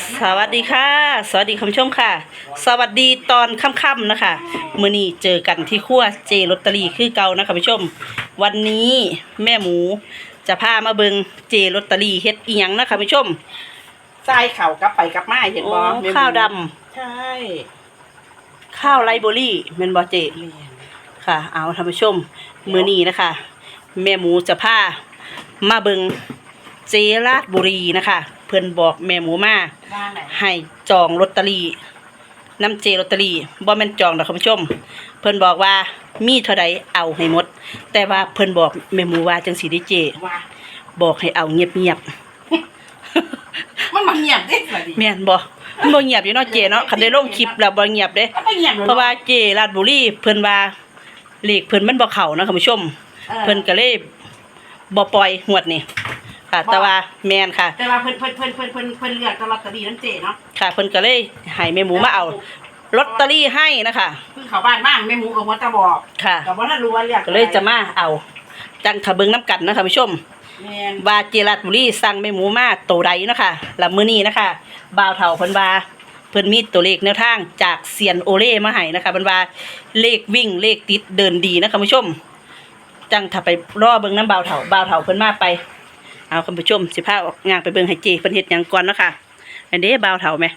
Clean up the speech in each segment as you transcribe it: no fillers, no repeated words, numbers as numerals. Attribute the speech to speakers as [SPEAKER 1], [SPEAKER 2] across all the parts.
[SPEAKER 1] สวัสดีค่ะสวัสดีคุณผู้ชมค่ะสวัสดีตอนค่ำๆนะคะมื้อนี้เจอกันที่ครัวเจลอตเตอรี่คือเก่านะคะคุณผู้ชมวันนี้แม่หมูจะพามาเบิงเจลอตเตอรี่เฮ็ดอีหยังนะคะคุณผู้ชม
[SPEAKER 2] ทรายเข่ากลับไปกลับมาเห็นบ่
[SPEAKER 1] ข้าวดำ
[SPEAKER 2] ใช่
[SPEAKER 1] ข้าวไรเบอรี่แม่นบ่เจค่ะเอาท่านผู้ชมมื้อนี้นะคะแม่หมูจะพามาเบิงเจราชบุรีนะคะเพิ่นบอกแม่หมูมา
[SPEAKER 2] บ้านไหน
[SPEAKER 1] ให้จองลอตเตอรี่น้ำเจลอตเตอรี่บ่แม่นจองดอกคุณผู้ชมเพิ่นบอกว่ามีเท่าใดเอาให้หมดแต่ว่าเพิ่นบอกแม่หมูว่าจังซี่เด้เจ
[SPEAKER 2] ว่า
[SPEAKER 1] บอกให้เอาเงียบ
[SPEAKER 2] มันมาเงียบเด้สวัสดี
[SPEAKER 1] ๆแม่นบ่มันบ่เงียบอยู่เนาะเจเนาะคันได้ลงคลิปแล้วบ่เงียบเด้
[SPEAKER 2] มันไม่เงียบเลย
[SPEAKER 1] เพราะว่าเจราชบุรีเพิ่นว่าเลขเพิ่นมันบ่เข้านะคุณผู้ชมเพิ่นก็เลยบ่ปล่อยงวดนี้ค่ะแต่ว่าแม่นค่ะ
[SPEAKER 2] แต่ว่าเพิ่นเลือกตลอดตรีน้ำเจเนาะ
[SPEAKER 1] ค่ะเพิ่นก็เลยให้แม่หมูมาเอาลอตเตอรี่ให้นะคะ
[SPEAKER 2] เพิ่งเข้าบ้านบ้างแม่หมูกับหัวตาบอก
[SPEAKER 1] ค่ะ
[SPEAKER 2] กับว่าถ้ารู้ว่าเลือก
[SPEAKER 1] ก็เลยจะมาเอาจังทะเบิงน้ำกันนะคะผู้ชม
[SPEAKER 2] แม่น
[SPEAKER 1] ว่าเจรัตบุรีสั่งแม่หมูมาโตใดนะคะแล้วมื้อนี้นะคะบ่าวเฒ่าเพิ่นว่าเพิ่นมีตัวเลขแนวทางจากเซียนโอเล่มาให้นะคะเพิ่นว่าเลขวิ่งเลขติดเดินดีนะคะผู้ชม จังถ้าไปรอเบิ่งน้ำบ่าวเฒ่าเพิ่นมาไปเอาคุณผู้ชมสิพาออกงานไปเบิ่งให้เจเพิ่นเฮ็ดหยังก่อนเนาะค่ะอันนี้บ่าวเฒ่าแม่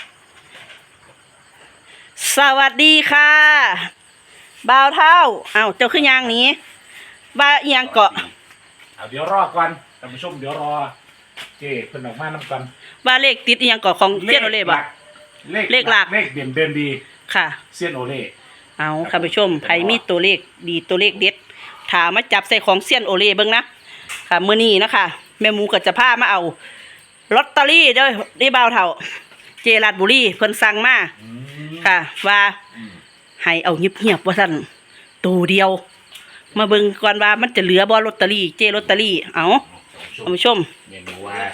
[SPEAKER 1] สวัสดีค่ะบ่าวเฒ่าเอ้าเจ้าคือย่างหนี้ว่าอีหยังเกาะ
[SPEAKER 3] เอาเดี๋ยวรอก่อนท่านผู้ชมเดี๋ยวรอเจ้เพิ่นออกมานํกัน
[SPEAKER 1] ว่าเลขติดอีหยังเกาะของเซียนโอเล่บ่ เลขหลัก
[SPEAKER 3] เลขเด่นเดินดี
[SPEAKER 1] ค่ะ
[SPEAKER 3] เซียนโอเล่
[SPEAKER 1] เอาค่ะผู้ชมไผมีตัวเลขดีตัวเลขเด็ดถามมาจับใส่ของเซียนโอเล่เบิ่งนะค่ะมื้อนี้นะคะแม่หมูก็จะพามาเอาลอตเตอรี่เด้อได้บ่าวเฒ่าเจราชบุรีเพิ่นสั่งมาค่ะ ว่าให้เอาเงียบๆว่าซั่นตัวเดียว มาเบิ่งก่อนว่ามันจะเหลือบ่ลอตเตอรี่เจลอตเตอรี่เอาท่านผู้ชม
[SPEAKER 3] เมนูว่า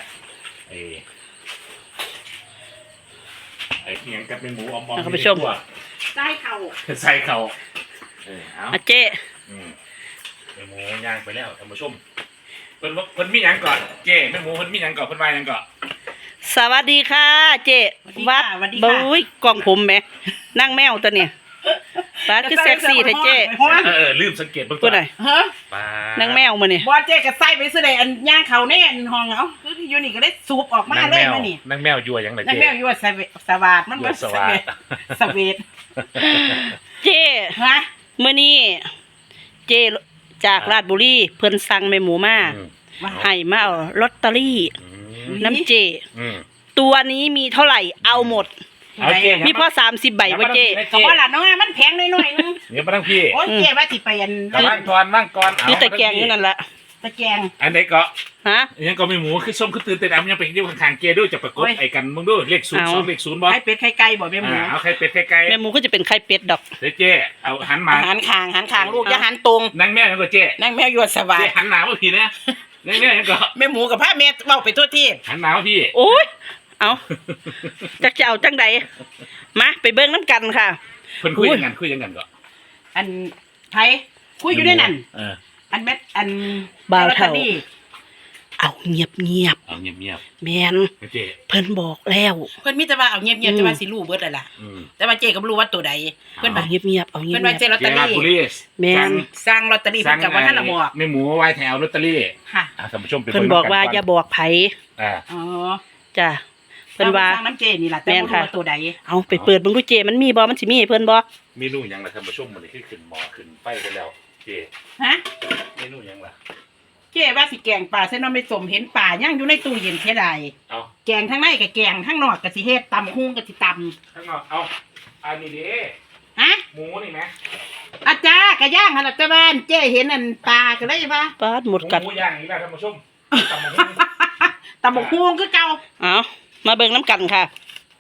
[SPEAKER 3] ไอ้เคียงกับเป็นหมูอมๆ
[SPEAKER 1] ท่านผู้ชม
[SPEAKER 2] ทรายเข่า
[SPEAKER 3] ใส่เขาเอา
[SPEAKER 1] อ่ะเจ
[SPEAKER 3] เป็นหมูย่างไปแล้วท่านผู้ชมเพิ่นมีหยังก่อนเจ้แม่หมูเพิ่นมีหยังก่อนเพิ่นว่าหยังก่อน
[SPEAKER 1] สวัสดีค่ะ เจวัดบุ้ยกล่องผมแหมนั่งแมวตัวเนี่ยฟ้าคือเซ็กซี่แท้เจ
[SPEAKER 3] ลืมสังเกตเบิ่ง
[SPEAKER 1] พูดหน่อย
[SPEAKER 2] เฮ้อ
[SPEAKER 3] ป้า
[SPEAKER 1] นั่งแมวมาเนี่ย
[SPEAKER 2] บ่เจก็ใส่ไปซื้อได้อันย่างเขาแน่นห้องเอาคืออยู่นี่ก็ได้สูบออกมาเลยมานี่
[SPEAKER 3] นางแมวยั่วหยังล่ะ
[SPEAKER 2] นั่น
[SPEAKER 3] เจ้
[SPEAKER 2] แม่อยู่ว่าสวาดมันบ่สวาดสวีท
[SPEAKER 1] เจ
[SPEAKER 2] ฮะ
[SPEAKER 1] มื้อนี้เจจากราชบุรีเพิ่นสั่งแม่หมูมาให้มาเอาลอตเตอรี่น้ำเจ ตัวนี้มีเท่าไหร่เอาหมด
[SPEAKER 3] เอาเจ้
[SPEAKER 1] มีพอ30ใบบ่เจ
[SPEAKER 2] ก็บ่ล่ะน้องมันแพงหน่อยๆนึง
[SPEAKER 3] เดี๋ยวมาทั้งพี่
[SPEAKER 2] โอ้ยเจ๊ว่าสิไปอัน
[SPEAKER 3] ว่างก่อนว่างก่อน
[SPEAKER 1] คือตะแกรงอยู่นั่นแหละ
[SPEAKER 2] ตะแกรง
[SPEAKER 3] อันไหนก็
[SPEAKER 1] ฮะ
[SPEAKER 3] ยังก็ไม่หมูคือส้มคือตื่นเต้นยังเป็นอยู่ข้างๆเกียร์ด้วยจะประกบไอ้กันมึงด้วยเลข
[SPEAKER 1] เอา
[SPEAKER 3] 02เลข0บ่
[SPEAKER 2] ไข่เป็ดไข่ไก่บ่แม่หมู
[SPEAKER 3] เอาใครเป็ดใครไก่
[SPEAKER 1] แม่หมูก็จะเป็นไข่เป็ดดอก
[SPEAKER 3] เดี๋ยวเจ้เอาหันมา
[SPEAKER 2] หันคางลูกอย่าหันตรง
[SPEAKER 3] นั่งแม่ยังก็เจ้
[SPEAKER 2] นั่งแมวอยู่สวา
[SPEAKER 3] เจ้
[SPEAKER 2] ด
[SPEAKER 3] หันหนาวมาพี่นะนั่งแม่ยังก็
[SPEAKER 2] แม่หมูกับพาแม่เว้าไปทั่วที่
[SPEAKER 3] หันหนาวพี่
[SPEAKER 1] โอ้ยเอาจักจะเอาจังใดมาไปเบิ่งน้ำกันค่ะ
[SPEAKER 3] เพิ่นคุยยังกันก็
[SPEAKER 2] อันไผคุยอยู่ด้วยนั่น อันเม็ดอัน
[SPEAKER 1] บ่าวเฒ่า
[SPEAKER 2] ลอตตอรี่
[SPEAKER 1] เอาเงียบ
[SPEAKER 3] เอาเงียบ
[SPEAKER 1] ๆแมน
[SPEAKER 3] ๆเจ้
[SPEAKER 1] เพิ่นบอกแล้ว
[SPEAKER 2] เพิ่นมีแต่ว่าเอาเงียบๆแต่ว่าสิรู้เบิดแล้วล่ะแต่ว่าเจ๊ก็บ่รู้ว่าตัวใดเพิ่น
[SPEAKER 1] เอา
[SPEAKER 2] ว่า
[SPEAKER 1] เงียบๆเอาเงีย
[SPEAKER 2] เพิ่นว่าเจ๊
[SPEAKER 1] บ
[SPEAKER 2] ลอต
[SPEAKER 3] เจ้
[SPEAKER 2] เตอ
[SPEAKER 3] ราชบุรี
[SPEAKER 2] รี่
[SPEAKER 1] แม่น
[SPEAKER 2] สร้างลอตเตอรี่เพิ่นกับว่าท่านละบอก
[SPEAKER 3] แม่หมูไว้แถวลอตเตอรี่
[SPEAKER 2] ค่ะ
[SPEAKER 3] ท่านผู้ชม
[SPEAKER 1] เพิ่นบอกว่าอย่าบอกไผ
[SPEAKER 2] อ๋อ
[SPEAKER 1] จ้ะเพิ่นว่า
[SPEAKER 2] สร้างน้ำเจนี่ล่ะแต่บ่รู้ว่าตัวใด
[SPEAKER 1] เอาไปเปิดเบิ่งดูเจมันมีบ่มันสิมีให้เพิ่นบ่
[SPEAKER 3] เมนูหยังล่ะท่านผู้ชมมื้อนี้คือขึ้นหม้อขึ้นไฟไปแล้วเจ้
[SPEAKER 2] ฮะ
[SPEAKER 3] เมนูหยังล่ะ
[SPEAKER 2] เจ๊ว่าสิแกงปลาเส้นน้ำไม่สมเห็นปลาย่างอยู่ในตู้เย็นเท่าใด
[SPEAKER 3] เอา
[SPEAKER 2] แกงทั้งในกับแกงทั้งนอกกับสิเฮ็ดตำหุ้งกับสิต
[SPEAKER 3] ข้างนอกเอาอันนี้ดิ
[SPEAKER 2] ำฮะ
[SPEAKER 3] หมูนี่นะ
[SPEAKER 2] อาจารย์กะย่างหันหลังตะบ้านเจ๊เห็นอันปลาก็เลยว่า
[SPEAKER 1] ปาดหมดกัด
[SPEAKER 3] หมูย่างนี่แหละท่านผู้ชมตำบักหุ่ง
[SPEAKER 2] ตำบกหุ้งคือเก่า
[SPEAKER 1] เอามาเบิ่งน้ำกันค่ะ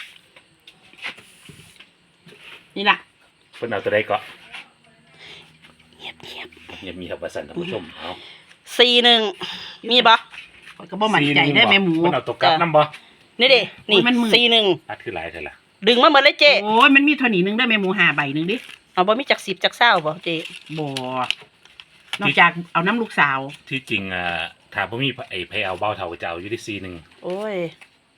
[SPEAKER 2] นี่ล่ะ
[SPEAKER 3] เพิ่นเอาตัวใดก็
[SPEAKER 1] เงียบ
[SPEAKER 3] มีครับว่าสั่นท่านผู้ชมเอา
[SPEAKER 1] ๆ41มีบ่
[SPEAKER 2] ข้อยก็บ่มั่นใจได้แม่หมู
[SPEAKER 3] เพิ่นเอาตัวกลับนำบ่
[SPEAKER 1] นี่เด้นี่
[SPEAKER 2] โอ้ยมันมืด
[SPEAKER 1] 41
[SPEAKER 3] อัดคือหลายเท่าล่ะ
[SPEAKER 1] ดึงมาหมดเลยเจ
[SPEAKER 2] โอ้ยมันมีเท่านี้นึงได้แม่หมู5ใบนึงดิ
[SPEAKER 1] เอาบ่มีจัก10จัก20บ่เจ
[SPEAKER 2] บ่นอกจากเอาน้ำลูกสาว
[SPEAKER 3] ที่จริงถ้าบ่มีไอ้ไผเอาเบ้าเฒ่าก็จะเอาอยู่ที่ซีหนึง
[SPEAKER 1] โอ้ย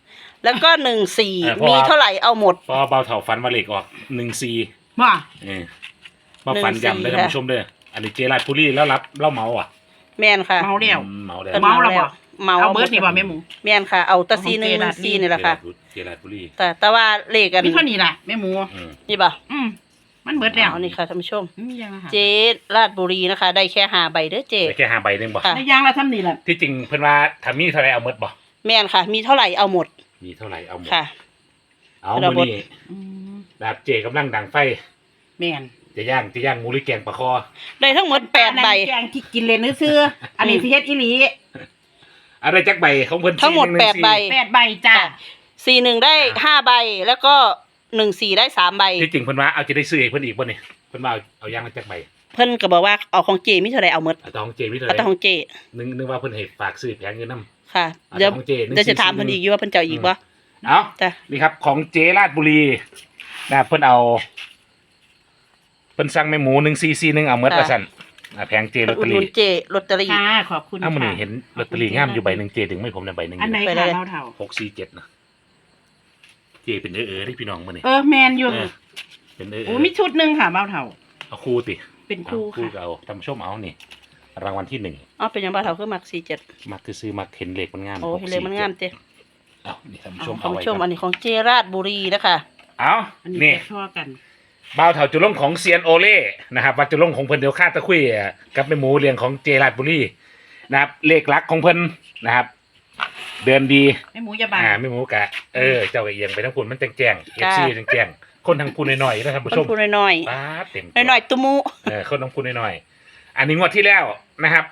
[SPEAKER 1] แล้วก็14
[SPEAKER 3] เพราะ
[SPEAKER 1] มี
[SPEAKER 3] ว่า
[SPEAKER 1] เท่าไหร่เอาหมด
[SPEAKER 3] พอเบาเถาฟันมาเหล็กออก14
[SPEAKER 2] ว่า
[SPEAKER 3] มาฟันยำได้อท่านผู้ชมเด้ออันนี้เจราดปุรีแล้วรับเล่าเมาอ่ะ
[SPEAKER 1] แม่นค่ะ
[SPEAKER 2] เมาแล้ว
[SPEAKER 3] เมาแล้ว
[SPEAKER 2] เมาแล้วบ่
[SPEAKER 1] เมา
[SPEAKER 2] เอาเบิร์ดนี่บ่แม่หมู
[SPEAKER 1] แม่นค่ะ เอาแตะซี1 1 4นี่แหละค่ะ
[SPEAKER 3] เจราดปุรี
[SPEAKER 1] แต่ว่าเลขกัน
[SPEAKER 2] มีเท่านี้ล่ะแม่หมู
[SPEAKER 1] นี่ป่ะ
[SPEAKER 2] มันเบิร์ดแล้ว
[SPEAKER 1] เอานี่ค่ะท่านผู้ชม
[SPEAKER 2] มียังค่ะ
[SPEAKER 1] เจราดบุรีนะคะ ได้แค่5ใบเด้อเจ
[SPEAKER 3] ได้แค่5 ใบนึงบ่
[SPEAKER 1] ค่ะ
[SPEAKER 2] ในยางละทำนี่แหละ
[SPEAKER 3] ที่จริงเพิ่นว่าถ้ามีเท่าไรเอาหมดบ่
[SPEAKER 1] แม่นค่ะ มีเท่าไหร่เอาหมด
[SPEAKER 3] มีเท่าไรเอาหมด
[SPEAKER 1] ค่ะ
[SPEAKER 3] เอา
[SPEAKER 1] เอาหม
[SPEAKER 3] มื้
[SPEAKER 1] ด
[SPEAKER 3] อนี้
[SPEAKER 2] อืม
[SPEAKER 3] แบบเจกำลังดังไฟ
[SPEAKER 2] แม่น
[SPEAKER 3] จะย่างหมูหรือแกงปลาคอ
[SPEAKER 1] ได้ทั้งหมด8ใบ
[SPEAKER 2] แกงที่กินเลยซื้อๆอันนี้สิเฮ็ดอีหลี
[SPEAKER 3] อะไรจักใบของเพิ่น
[SPEAKER 1] ทั้งหมด
[SPEAKER 3] 414
[SPEAKER 1] 8ใบ
[SPEAKER 2] 8 ใบจ้า
[SPEAKER 1] 41ได้5ใบแล้วก็14ได้3ใบ
[SPEAKER 3] ที่จริงเพิ่นว่าเอาจะได้ซื้อให้เพิ่นอีกบ่นี่เพิ่นว่าเอาย่างละจักใบ
[SPEAKER 1] เพิ่นก็บอกว่าเอาของเจมีเท่าไหร่เอาหมด
[SPEAKER 3] เอาแต่ของเจมีเท่า
[SPEAKER 1] เอา
[SPEAKER 3] ไห
[SPEAKER 1] แต่
[SPEAKER 3] ร่
[SPEAKER 1] ของเจ
[SPEAKER 3] นึกว่าเพิ่นให้ฝากซื้อแผงเงินนำ
[SPEAKER 1] ค่ะ
[SPEAKER 3] เอา
[SPEAKER 1] เดี๋ยว
[SPEAKER 3] แต่ของเจ144
[SPEAKER 1] เดี๋ยวจะถามเพิ่นอีกอยู่ว่าเพิ่นจะเอาอีกบ่
[SPEAKER 3] เอา
[SPEAKER 1] จ้ะ
[SPEAKER 3] นี่ครับของเจราดบุรีนะครับเพิ่นเอาเพิ่นสั่งแม่หมู1441เอาหมดว่าซั่นแผงเจลอตเต
[SPEAKER 1] อุ
[SPEAKER 3] อ
[SPEAKER 1] ดหนุ
[SPEAKER 3] รี่
[SPEAKER 1] นเจลอตเตอรี่
[SPEAKER 2] ค่ะขอบคุณ
[SPEAKER 3] อ้าวมื้อนี้
[SPEAKER 2] ค่ะ
[SPEAKER 3] เห็นลอตเตอรี่งามอยู่ใบหนึงเจถึงไม่ผมได้ใบหนึง
[SPEAKER 2] อันไหน
[SPEAKER 1] ไป
[SPEAKER 2] ค่ะ
[SPEAKER 1] เลย
[SPEAKER 2] เท่า
[SPEAKER 3] 647นะเจเป็นที่พี่น้องมื้อนี้
[SPEAKER 2] แมนอยู่
[SPEAKER 3] เป็น
[SPEAKER 2] โอ้มีชุดหนึงค่ะเบาเท่า
[SPEAKER 3] เอาคู่ติ
[SPEAKER 2] เป็น
[SPEAKER 3] เอา
[SPEAKER 2] คู่
[SPEAKER 3] คู่
[SPEAKER 2] ค่ะ
[SPEAKER 3] ก็เอาทำชมเอานี่รางวัลที่1
[SPEAKER 1] อ๋อเป็นหยังบ่เท่าคือมัก47
[SPEAKER 3] มักซื้อมักเห็นเลขมันงาม
[SPEAKER 1] โอ้เห็นเลยมันงามเจ
[SPEAKER 3] เอานี่ท่านผู้ชม
[SPEAKER 1] ท่าน
[SPEAKER 3] เอาไว้
[SPEAKER 1] ผู้ชม
[SPEAKER 3] ก่
[SPEAKER 1] อั
[SPEAKER 3] อน
[SPEAKER 1] นนี้ของเจราดบุรีนะคะ
[SPEAKER 3] เอา
[SPEAKER 2] อันนี้
[SPEAKER 3] นี่
[SPEAKER 2] แกชั่วกัน
[SPEAKER 3] บ่าวเถาจุลงของเซียนโอเล่นะครับวัดจุลงของเพิ่นเดียวค่าตะคุยกับแม่หมูเลี้ยงของเจราดบุรีนะครับเลขลักของเพิ่นนะครับ เดือนดี
[SPEAKER 2] แม่หมูอย่าบาน
[SPEAKER 3] แม่หมูกะเจ้าก็เอียงไปทั้งคุณมันแจ้งๆ FC แจ้งๆคนทั้งพูนน้อยๆนะท่าน
[SPEAKER 1] ค
[SPEAKER 3] ผู้
[SPEAKER 1] น
[SPEAKER 3] ชม
[SPEAKER 1] พูดน้อย
[SPEAKER 3] ป้าดเต็ม
[SPEAKER 1] ๆน้อยๆตุมุ
[SPEAKER 3] คนทั้งพูนน้อยๆอันนี้งวดที่แล้วนะครับ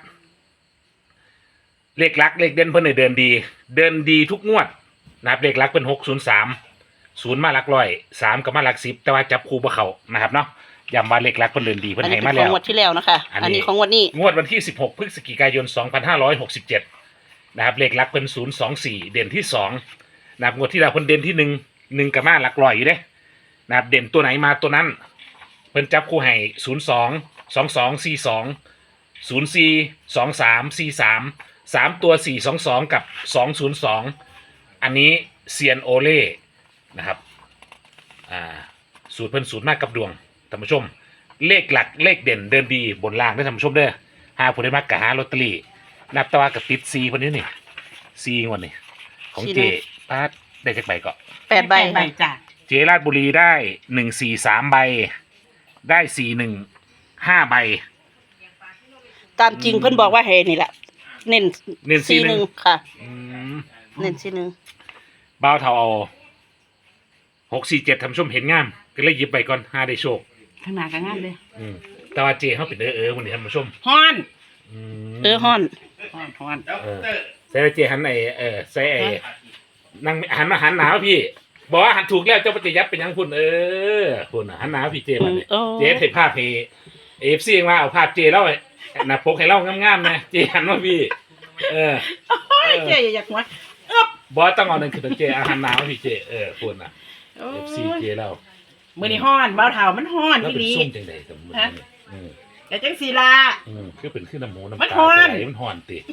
[SPEAKER 3] เลขลักเลขเด่นเพิ่นเนี่ยเดินดีทุกงวดนะครับเลขลักเป็น603 0มาหลักร้อย3ก็มาหลัก10แต่ว่าจับคู่บ่เข้านะครับเนาะย้ำว่าเลขลักเพิ่นเดินดีเพิ่น
[SPEAKER 1] อัน
[SPEAKER 3] ให้
[SPEAKER 1] นี้
[SPEAKER 3] มา
[SPEAKER 1] เป็นข
[SPEAKER 3] แล้
[SPEAKER 1] อง
[SPEAKER 3] ว
[SPEAKER 1] งวดที่แล้วนะคะ
[SPEAKER 3] อันนี้
[SPEAKER 1] อันนี้ของงวดนี้
[SPEAKER 3] งวดวันที่16พฤศจิกายน2567นะครับเลขลักเพิ่น024เด่นที่2นะครับงวดที่แล้วเพิ่นเด่นที่1ก็มาหลักร้อยอยู่เด้นะครับเด่นตัวไหนมาตัวนั้นเพิ่นจับคู่ให้02 22 42 04 23 43 3ตัว422กับ202อันนี้เซียนโอเล่นะครับสูตรเพิ่นสูตรมากกับดวงท่านผู้ชม เลขหลักเลขเด่นเดินดีบนล่างได้ท่านผู้ชมเด้อหาผู้ได้มากกะหาลอตเตอรี่นับตะว่ากับติดซีคนนี้นี่ซีงวดนี่ของเจป้าดได้จากใบก็
[SPEAKER 1] 8ใบ
[SPEAKER 2] ใบ
[SPEAKER 1] ค่ะ
[SPEAKER 2] จ้า
[SPEAKER 3] เจราดบุรีได้143ใบได้415ใบ
[SPEAKER 1] ตามจริงเพิ่นบอกว่าให้นี่แหละเน้น
[SPEAKER 3] เน้น41
[SPEAKER 1] 41ค่ะ
[SPEAKER 3] อืม
[SPEAKER 1] เน้น41
[SPEAKER 3] บ้าวเทาเอา647ท่านผู้ชมเห็นงามก็เลยหยิบไปก่อนหาได้โชค
[SPEAKER 2] ข้างหน้าก็งามเลย
[SPEAKER 3] แต่ว่าเจเขาเป็นวันนี้ท่านผู้ชม
[SPEAKER 2] ฮ้อน
[SPEAKER 1] ฮ้อน
[SPEAKER 2] ฮ้อน
[SPEAKER 3] ใส่เจหันไใส่นั่งหันมาหันหนาวพี่บอกว่าหันถูกแล้วเจ้าปฏิยับเป็นยังคุณคุณหันหนาวพี่เจมัน
[SPEAKER 1] โอ้
[SPEAKER 3] เจเห็นภาพเอฟซีมาเอาภาพเจแล้วนะพกให้เล่างามๆนะเจหันว่าพี่
[SPEAKER 2] เจ๊อยากหัว
[SPEAKER 3] บอสต้องเอาหนึ่งคือเจหันหนาวพี่เจคุณนะเอฟซีเจแล้ว
[SPEAKER 2] มื้อนี้ฮ้อนเบาเท่ามันฮ้อน
[SPEAKER 3] แล้ว
[SPEAKER 2] อี
[SPEAKER 3] เป็น
[SPEAKER 2] หลี
[SPEAKER 3] ส้มจังใดกับมือ
[SPEAKER 2] แต่จังสีลา
[SPEAKER 3] คือเป็นขึ้นน้ำหมูน้ำ
[SPEAKER 2] มัน
[SPEAKER 3] ตา
[SPEAKER 2] ฮ้อน
[SPEAKER 3] ไหลมันห่อนติ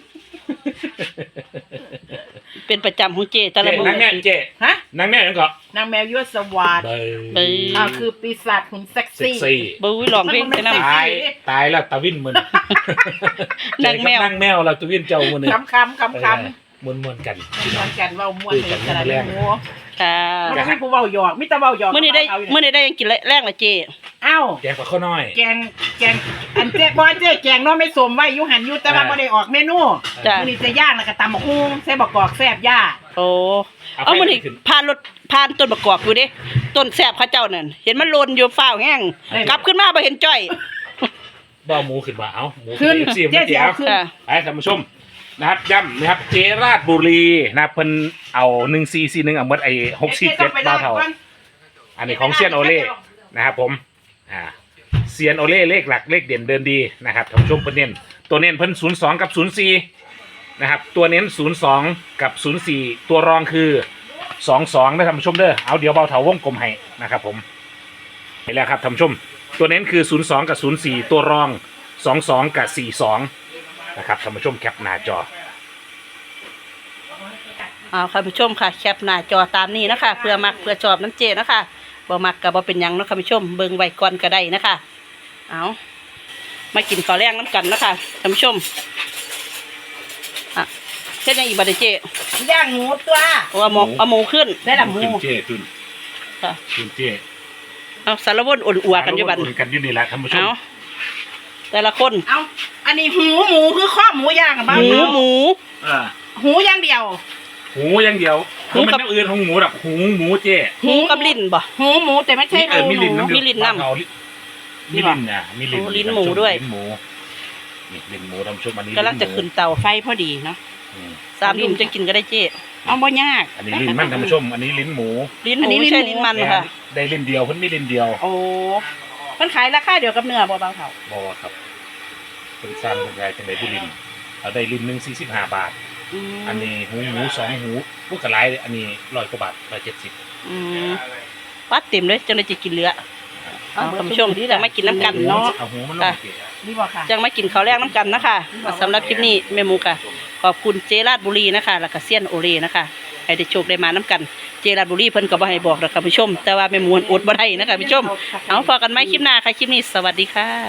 [SPEAKER 1] เป็นประจำของเจแต่ละมื้
[SPEAKER 3] นั่งแม่เจ
[SPEAKER 2] ฮะ
[SPEAKER 3] นั่งแม่ยังเกาะ
[SPEAKER 2] นางแมวยั่วสวัสด
[SPEAKER 1] เบย
[SPEAKER 2] คือปีศาจหุ่นเซ็ก
[SPEAKER 3] เซ็ก
[SPEAKER 2] ซี่
[SPEAKER 3] ซี่
[SPEAKER 1] บุ้ยร้องเพลงไปนำ
[SPEAKER 3] ตายแล้วตาวินมัน
[SPEAKER 1] นั่งแมว
[SPEAKER 3] นั่งแมวเราตาวินเจ้ามัน
[SPEAKER 2] คำ
[SPEAKER 3] มวนกัน
[SPEAKER 2] มวนกันเว้ามวนในกระดาษหัว
[SPEAKER 1] ค่ะ
[SPEAKER 2] มันมีผู้เว้าหยอกมีแต่เว้าหยอก
[SPEAKER 1] มื้อนี้ได้ยังกินแรงละเจ
[SPEAKER 2] อ้าว
[SPEAKER 3] แกงปลาข้าวน้อย
[SPEAKER 2] แกงอันเจ๊บอยเจ๊แกงเนาะไม่สมไว้อยู่หันอยู่แต่ว่าบ่ได้ออกเมนู
[SPEAKER 1] จ้ะ
[SPEAKER 2] มื้อนี้จะย่างแล้วก็ตำบักหุ่งใส่บักกอกแซ่บย่า
[SPEAKER 1] โอ้เอามื้อนี้ผ่านต้นประกอบอยู่เด้ต้นแซ่บเขาเจ้านั่นเห็นมันโลนอยู่ฟ้าวแห้งกลับขึ้นมาบ่เห็นจ้อย
[SPEAKER 3] บ่หมูขึ้นมาเอาหมู
[SPEAKER 2] ขึ้น
[SPEAKER 3] เอฟซี
[SPEAKER 2] เจ๊
[SPEAKER 3] มา
[SPEAKER 2] สิ
[SPEAKER 3] เจียว
[SPEAKER 2] เอาขึ้น
[SPEAKER 1] ค่ะ
[SPEAKER 3] ไปท่านผู้ชมนะครับย้ำนะครับเจราดบุรีนะครับเพิ่นเอา1441เอาหมดไอ้647บ้าเท่าอันนี้ของเซียนโอเล่นะครับผมเซียนโอเล่เลขหลักเลขเด่นเดินดีนะครับท่านผู้ชมเพิ่นเน้นตัวเน้นเพิ่น02กับ04นะครับตัวเน้น02กับ04ตัวรองคือ22นะท่านผู้ชมเด้อเอาเดี๋ยวเบาเถาวงกลมให้นะครับผมเห็นแล้วครับท่านผู้ชมตัวเน้นคือ02กับ04ตัวรอง22กับ42นะครับท่านผู้ชมแคปหน้าจอ
[SPEAKER 1] เอาค่ะผู้ชมค่ะแคปหน้าจอตามนี้นะคะเพื่อมักเพื่อชอบน้ำเจนะคะบ่มักก็บ่เป็นหยังเนาะค่ะผู้ชมเบิ่งไว้ก่อนก็ได้นะคะเอามากินข้าวแรงน้ำกันนะคะท่านผู้ชมอ่ะเฮ็ดหยังอีกบัดนี้เจ
[SPEAKER 2] ย่างหมูตัว
[SPEAKER 1] เอาหมูขึ้น
[SPEAKER 2] ได้ละหมู
[SPEAKER 3] ขึ้นเจ้ขึ้น
[SPEAKER 1] ค่ะ
[SPEAKER 3] ขึ้นเจ้
[SPEAKER 1] เอาสารวนอุ่นอัวกันอยู่บัด
[SPEAKER 3] อุ่นกันอยู่นี่แหละท่านผู้ชม
[SPEAKER 1] เอาแต่ละคน
[SPEAKER 2] เอาอันนี้หูหมูคือข้อหมูย่างอะบ้าง
[SPEAKER 1] หมู
[SPEAKER 3] อ่า
[SPEAKER 2] หูอย่างเดียว
[SPEAKER 3] หูอย่างเดียว
[SPEAKER 1] หู
[SPEAKER 3] มัน
[SPEAKER 1] กับ
[SPEAKER 3] น้ำอื่นของหมูแบบหูหมูเจ้
[SPEAKER 1] หูกับลิ้นบ่
[SPEAKER 2] หูหมูแต่ไม่ใช่
[SPEAKER 3] มี
[SPEAKER 2] หู
[SPEAKER 3] ลิ้น
[SPEAKER 2] หมู
[SPEAKER 3] น้ำ
[SPEAKER 1] มีลิ้นน้ำ
[SPEAKER 3] เอามีลิ้นอ่ะมีลิ้น
[SPEAKER 1] โอ้ลิ้นหมูด้วย
[SPEAKER 3] ลิ้นหมูนี่ลิ้นหมูท่านผู้ชมอันนี้
[SPEAKER 1] กำลังจะ
[SPEAKER 3] ลิ้นหมู
[SPEAKER 1] ขึ้นเตา
[SPEAKER 2] ไฟพอดีเนาะ
[SPEAKER 3] อืม
[SPEAKER 1] 3 ทุ่มจะกินก็ได้เจ
[SPEAKER 2] เอาบ่ยาก
[SPEAKER 3] อันนี้ลิ้นมันท่านผู้ชม อันนี้ลิ้นหมู
[SPEAKER 1] ลิ้นห
[SPEAKER 2] อัน
[SPEAKER 1] มู
[SPEAKER 2] นี้ลิ้น
[SPEAKER 1] ใช่
[SPEAKER 2] หมู
[SPEAKER 1] ลิ้นมัน
[SPEAKER 3] แห
[SPEAKER 1] ค่ะ
[SPEAKER 3] ได้ลิ้นเดียวเพิ่นมีลิ้นเดียว
[SPEAKER 2] โอ้มันขายราคาเดียวกับเนื้อบ่เบาเท่า
[SPEAKER 3] บอกว่าครับเป็นสร้างเป็นยายจังไดบุรินทร์เอาได้ลิ้นหนึ่ง45 บาท อันนี้หูหมู2 หูลูกกระไรอันนี้100 กว่าบาท170
[SPEAKER 1] อืมปัดเต็มเลยจังเลยจะกินเหลือเอาท่านผู้ชมจะไม่กินน้ำกัน
[SPEAKER 3] เนาะ
[SPEAKER 1] เนาะ
[SPEAKER 3] เอาหูมันลงเกะ
[SPEAKER 2] นี่บ่ค่ะ
[SPEAKER 1] จังไม่กินข้าวแรกน้ำกันนะคะสำหรับคลิปนี้แม่หมูค่ะขอบคุณเจราดบุรีนะคะแล้วก็เซียนโอเรนะคะให้ได้โชคได้มาน้ำกันเจราดบุรีเพิ่นก็บ่ให้บอกนะคะผู้ชม แต่ว่าแม่หมูอดบ่ได้นะคะผู้ชมเอาพอกันไหมคลิปหน้าค่ะคลิปนี้สวัสดีค่ะ